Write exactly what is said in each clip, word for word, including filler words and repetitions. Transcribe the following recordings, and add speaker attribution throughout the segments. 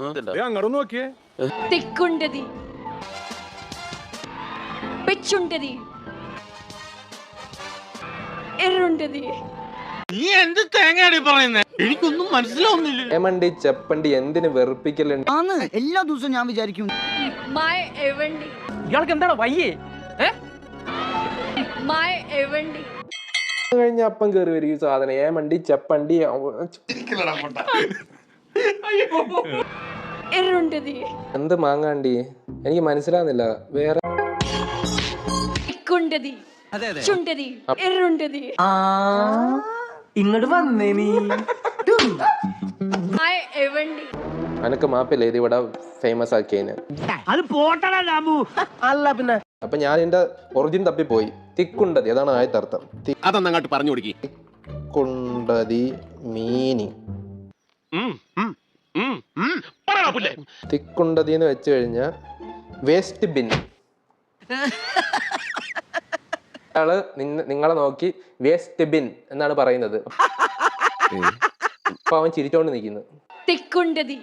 Speaker 1: അങ്ങോട്ട് നോക്കിയേ.
Speaker 2: തിക്കുണ്ടതി പെച്ചുണ്ടതി എറുണ്ടതി.
Speaker 3: നീ എന്ത് തേങ്ങയാടി പറയുന്നേ? എനിക്കൊന്നും മനസ്സിലാവുന്നില്ല.
Speaker 4: ഏമണ്ടി ചെപ്പണ്ടി എന്തിന് വെറുപ്പിക്കലുണ്ട്?
Speaker 5: എല്ലാ ദിവസവും ഞാൻ വിചാരിക്കും
Speaker 2: മൈ എവണ്ടി
Speaker 6: ഇയാൾക്ക് എന്താണ് വയ്യേ?
Speaker 2: മൈ എവണ്ടി
Speaker 4: കഴിഞ്ഞ അപ്പം കയറി വരും ഈ സാധനം. ഏമണ്ടി ചെപ്പണ്ടി
Speaker 2: എറുണ്ടതി
Speaker 4: എന്ത് മാങ്ങാണ്ടി എനിക്ക് മനസ്സിലാവുന്നില്ല. വേറെ
Speaker 2: തിക്കുണ്ടതി ചുണ്ടതി എറുണ്ടതി.
Speaker 6: ഇങ്ങോട്ട് വന്നേ നീ.
Speaker 2: മൈ എവണ്ടി
Speaker 4: അനക്ക് മാപ്പില്ല ഇത് ഇവിടെ ഫേമസ് ആക്കിയതിന്.
Speaker 6: അത് പോട്ടടാ രാമു. അല്ല പിന്നെ
Speaker 4: അപ്പൊ ഞാൻ എന്റെ ഒറിജിൻ തപ്പിപ്പോയി. തിക്കുണ്ടതി അതാണ് ആദ്യത്തെ അർത്ഥം.
Speaker 3: അതൊന്നങ്ങോട്ട് പറഞ്ഞു കൊടുക്കി.
Speaker 4: തിക്കുണ്ടതി മീനിങ് തിക്കുണ്ടതി എന്ന് വെച്ച് കഴിഞ്ഞാൽ വേസ്റ്റ് ബിൻ. അയാള് നിങ്ങളെ നോക്കി വേസ്റ്റ് ബിൻ എന്നാണ് പറയുന്നത്. അപ്പൊ അവൻ ചിരിച്ചോണ്ട് നിൽക്കുന്നു.
Speaker 2: തിക്കുണ്ടതി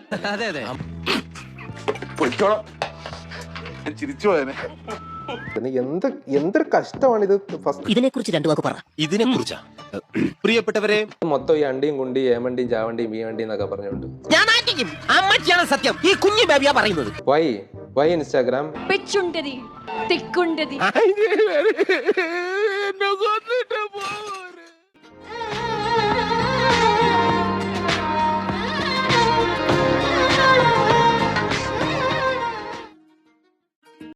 Speaker 1: ചിരിച്ചു പോയനെ.
Speaker 4: എന്ത് എന്തൊരു കഷ്ടമാണിത്. ഫസ്റ്റ്
Speaker 6: ഇതിനെ കുറിച്ച് രണ്ടു വാക്ക് പറ.
Speaker 3: ഇതിനെ കുറിച്ചാ പ്രിയപ്പെട്ടവരെ
Speaker 4: മൊത്തം ഈ അണ്ടിയും കുണ്ടി ഏമണ്ടിയും ചാവണ്ടിയും വീവണ്ടിയും എന്നൊക്കെ പറഞ്ഞുകൊണ്ട്
Speaker 6: ഞാൻ ആറ്റിക്കും. അമ്മച്ചിയാണ് സത്യം. ഈ കുഞ്ഞു ബേബിയാ പറയുന്നത്.
Speaker 4: വൈ വൈ ഇൻസ്റ്റാഗ്രാം
Speaker 2: പെച്ചുണ്ടതി തിക്കുണ്ടതി
Speaker 3: എന്നെ കൊന്നിട്ട്